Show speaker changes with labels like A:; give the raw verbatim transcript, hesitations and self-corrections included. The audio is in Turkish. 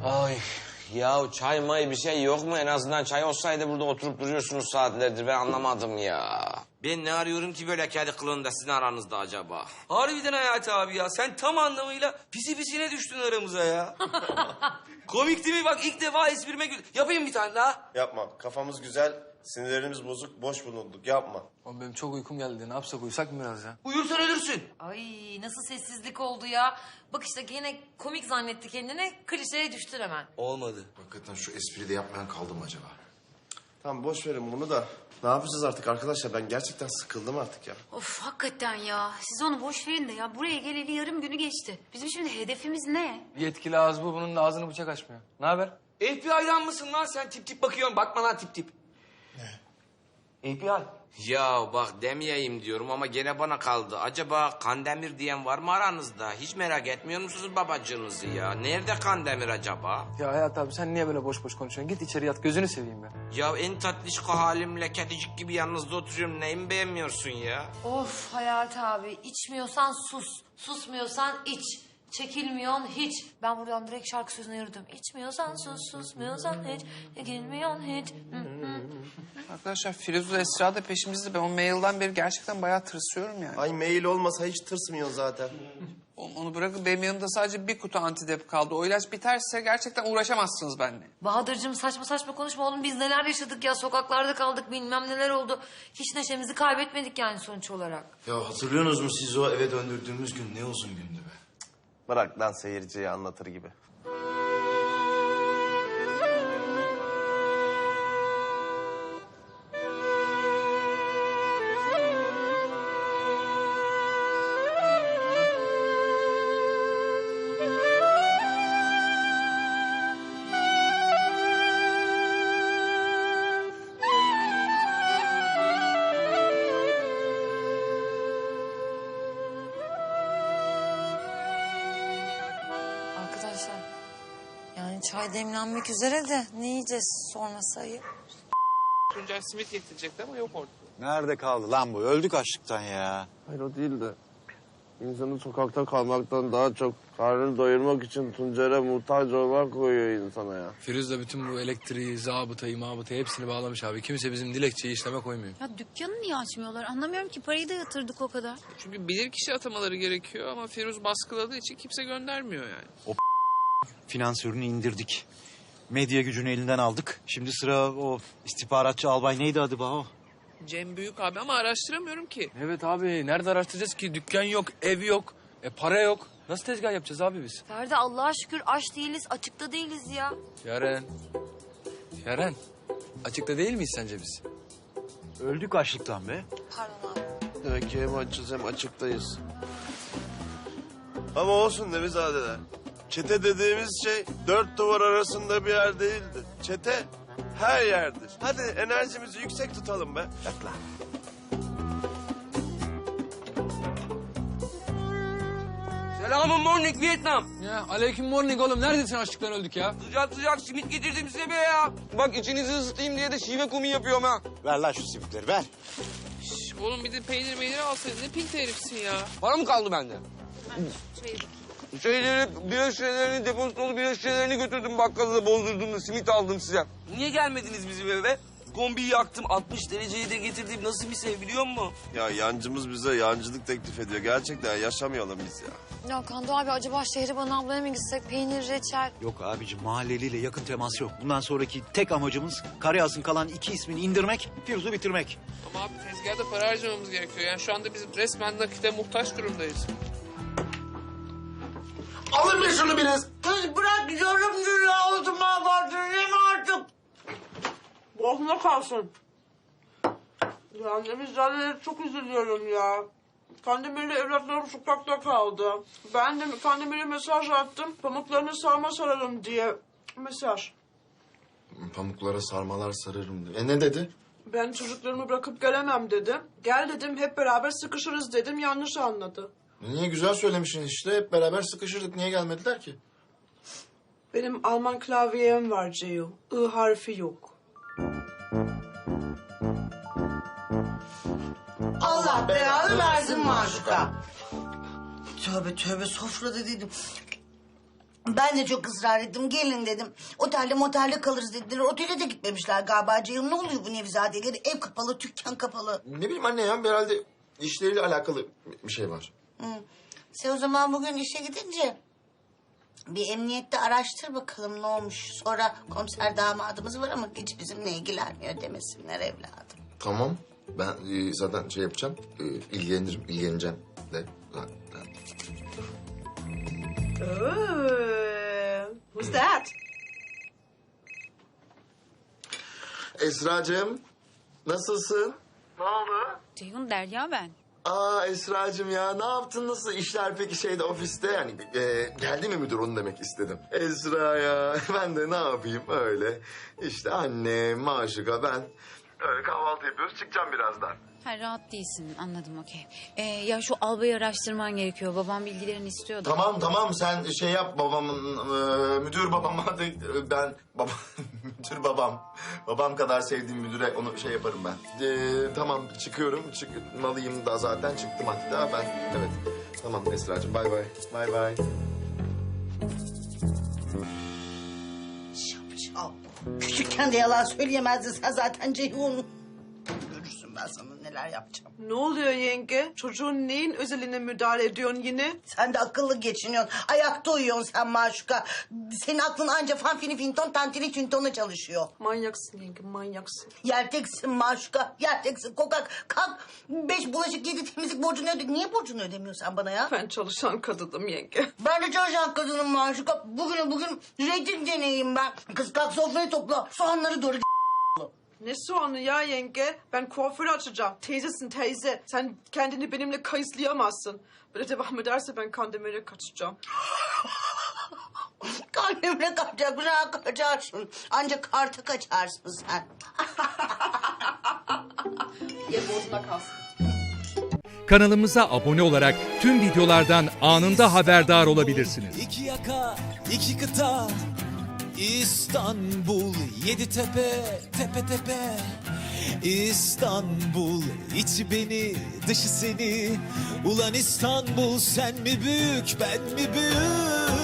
A: Ay ya çay may bir şey yok mu? En azından çay olsaydı burada oturup duruyorsunuz saatlerdir. Ben anlamadım ya. Ben ne arıyorum ki böyle kedi kılığında sizin aranızda acaba?
B: Harbiden Hayati abi ya. Sen tam anlamıyla pisi pisine düştün aramıza ya. Komik değil mi? Bak ilk defa esprime gül... Yapayım bir tane daha.
C: Yapma. Kafamız güzel, sinirlerimiz bozuk, boş bulunduk. Yapma.
D: Oğlum benim çok uykum geldi. Ne yapsak, uyusak mı biraz ya?
B: Uyursan ölürsün.
E: Ay nasıl sessizlik oldu ya. Bak işte yine komik zannetti kendine. Klişeye düştün hemen.
B: Olmadı.
F: Hakikaten şu espriyi de yapmayan kaldı mı acaba?
C: Tamam boş verin bunu da. Ne yapacağız artık arkadaşlar? Ben gerçekten sıkıldım artık ya.
G: Of hakikaten ya. Siz onu boş verin de ya. Buraya geleli yarım günü geçti. Bizim şimdi hedefimiz ne?
D: Yetkili ağız bu. Bunun da ağzını bıçak açmıyor. Ne haber?
B: F B I'dan mısın lan sen? Tip tip bakıyorsun. Bakma lan tip tip. Ne? F B I.
A: Ya bak demeyeyim diyorum ama gene bana kaldı. Acaba Kandemir diyen var mı aranızda? Hiç merak etmiyor musunuz babacığınızı ya? Nerede Kandemir acaba?
D: Ya Hayat abi sen niye böyle boş boş konuşuyorsun? Git içeri yat, gözünü seveyim ya.
A: Ya en tatlışko halimle kedicik gibi yanınızda oturuyorum. Neyimi beğenmiyorsun ya?
E: Of Hayati abi içmiyorsan sus. Susmuyorsan iç. Çekilmiyorsun hiç. Ben buradan direkt şarkı sözüne yürüdüm. İçmiyorsan sus, susmuyorsan hiç. Çekilmiyorsun hiç. Hı hı.
H: Arkadaşlar Firuze Esra da peşimizde. Ben o mailden beri gerçekten bayağı tırsıyorum yani.
C: Ay mail olmasa hiç tırsmıyorsun zaten.
H: Onu, onu bırakın, benim yanımda sadece bir kutu antidep kaldı. O ilaç biterse gerçekten uğraşamazsınız benimle.
E: Bahadır'cığım saçma saçma konuşma oğlum. Biz neler yaşadık ya. Sokaklarda kaldık bilmem neler oldu. Hiç neşemizi kaybetmedik yani sonuç olarak.
F: Ya hatırlıyorsunuz mu siz o eve döndürdüğümüz gün ne uzun gündü be?
C: Bırak lan seyirciye anlatır gibi.
E: Arkadaşlar yani çay demlenmek üzere de ne yiyeceğiz sonrası ayıp.
H: Tuncay simit getirecekti ama yok orada.
I: Nerede kaldı lan bu? Öldük açlıktan ya.
C: Hayır o değil de. İnsanın sokakta kalmaktan daha çok karnını doyurmak için Tuncer'e muhtaç olmak koyuyor insana ya.
D: Firuze de bütün bu elektriği, zabıtayı, mabıtayı hepsini bağlamış abi. Kimse bizim dilekçeyi işleme koymuyor.
G: Ya dükkanı niye açmıyorlar? Anlamıyorum ki, parayı da yatırdık o kadar.
H: Çünkü bilirkişi atamaları gerekiyor ama Firuz baskıladığı için kimse göndermiyor yani.
I: Finansörünü indirdik. Medya gücünü elinden aldık. Şimdi sıra o istihbaratçı albay neydi adı Baho?
H: Cem Büyük abi ama araştıramıyorum ki.
D: Evet abi, nerede araştıracağız ki? Dükkan yok, ev yok, e, para yok. Nasıl tezgah yapacağız abi biz?
E: Ferdi Allah'a şükür aç değiliz, açıkta değiliz ya.
D: Yaren. Yaren. Açıkta değil miyiz sence biz?
I: Öldük açlıktan be.
E: Pardon abi.
C: Demek ki hem açız hem açıktayız. Ama olsun Nevizadeler. Çete dediğimiz şey dört duvar arasında bir yer değildir. Çete her yerdir. Hadi enerjimizi yüksek tutalım be.
I: Yak lan.
B: Selamun morning Vietnam.
D: Ya aleyküm morning oğlum. Neredesin, açlıktan öldük ya?
B: Sıcak sıcak simit getirdim size be ya. Bak içinizi ısıtayım diye de şive komi yapıyorum ha.
I: Ver lan şu simitleri ver.
H: Şş, oğlum bir de peynir meynir alsaydın, ne pinti herifsin ya.
B: Para mı kaldı bende? Şeyleri, bira şişelerini, depozit dolu bira şişelerini götürdüm bakkala, bozdurdum da simit aldım size. Niye gelmediniz bizim eve? Kombiyi yaktım, altmış dereceyi de getirdim. Nasıl bir sev biliyor musun?
C: Ya yancımız bize yancılık teklif ediyor. Gerçekten yaşamayalım biz ya.
E: Ya Kando abi acaba Şehriban ablaya mı gitsek peynir, reçel?
I: Yok abicim, mahalleliyle yakın temas yok. Bundan sonraki tek amacımız Karayaz'ın kalan iki ismini indirmek, Firuz'u bitirmek.
H: Ama abi tezgahda para harcamamız gerekiyor. Yani şu anda biz resmen nakite muhtaç durumdayız.
J: Alın bir şunu biraz. Kız bırak yarım dünya oldu mahvoldun artık.
B: Boğazına kalsın. Ya Nevizade'ye çok üzülüyorum ya. Kandemir'le evlatlarım sokakta kaldı. Ben de Kandemir'e mesaj attım. Pamuklarını sarma sararım diye mesaj.
F: Pamuklara sarmalar sararım diyor. E ne dedi?
B: Ben çocuklarımı bırakıp gelemem dedim. Gel dedim hep beraber sıkışırız dedim. Yanlış anladı.
F: Niye güzel söylemişsin işte. Hep beraber sıkışırdık. Niye gelmediler ki?
B: Benim Alman klavyem var Ceyo. I harfi yok.
J: Allah belanı versin maşuka. Tövbe tövbe sofra dediydim. Ben de çok ısrar ettim. Gelin dedim. Otelde motelde kalırız dediler. Otele de gitmemişler galiba. Ceyhun ne oluyor bu Nevizadeleri? Ev kapalı, dükkan kapalı.
F: Ne bileyim anne ya herhalde işleriyle alakalı bir şey var.
J: Hı. Sen o zaman bugün işe gidince bir emniyette araştır bakalım ne olmuş. Sonra komiser damadımız var ama hiç bizimle ilgilenmiyor demesinler evladım.
F: Tamam. Ben e, zaten şey yapacağım. E, ilgilenirim, ilgileneceğim de. zaten.
B: Oh, who's that?
F: Esra'cığım nasılsın? Ne oldu?
G: Ceyhun Derya ben.
F: Aa Esra'cığım ya ne yaptın nasıl işler peki şeyde ofiste yani e, geldi mi müdür onu demek istedim. Esra ya ben de ne yapayım öyle işte annem Maşuka ben öyle kahvaltı yapıyoruz çıkacağım birazdan.
G: Ha, rahat değilsin anladım okey. Ee, ya şu albayı araştırman gerekiyor. Babam bilgilerini istiyordu.
F: Tamam tamam sen şey yap babamın e, müdür babama de, e, ben baba müdür babam babam kadar sevdiğim müdüre onu şey yaparım ben. E, tamam çıkıyorum çıkmalıyım da zaten çıktım hatta ben evet tamam Esra'cığım bay bay bay bay.
J: Şapşal. Küçükken de yalan söyleyemezdin sen zaten Ceyhun. Görürsün ben sana neler yapacağım.
B: Ne oluyor yenge? Çocuğun neyin özeline müdahale ediyorsun yine?
J: Sen de akıllı geçiniyorsun. Ayakta uyuyorsun sen Maşuka. Senin aklın anca fanfini finton tantini tintona çalışıyor.
B: Manyaksın yenge, manyaksın.
J: Yerteksin Maşuka. Yerteksin kokak. Kalk. Beş bulaşık yedi temizlik borcunu öde. Niye borcunu ödemiyorsun sen bana ya?
B: Ben çalışan kadınım yenge.
J: Ben de çalışan kadınım Maşuka. Bugün bugün reyting deneyeyim ben. Kız kalk sofrayı topla. Soğanları doğru.
B: Ne soğanı ya yenge? Ben kuaför açacağım. Teyzesin teyze. Sen kendini benimle kayıslayamazsın. Böyle devam ederse ben Kandemir'e kaçacağım.
J: Kalbimle kaçacak, bırak kaçarsın. Ancak karta kaçarsın sen.
B: Ye bozuna kalsın.
K: Kanalımıza abone olarak tüm videolardan anında haberdar olabilirsiniz.
L: İki yaka, iki kıta, İstanbul, yedi tepe, tepe tepe. İstanbul, içi beni, dışı seni. Ulan İstanbul, sen mi büyük, ben mi büyük?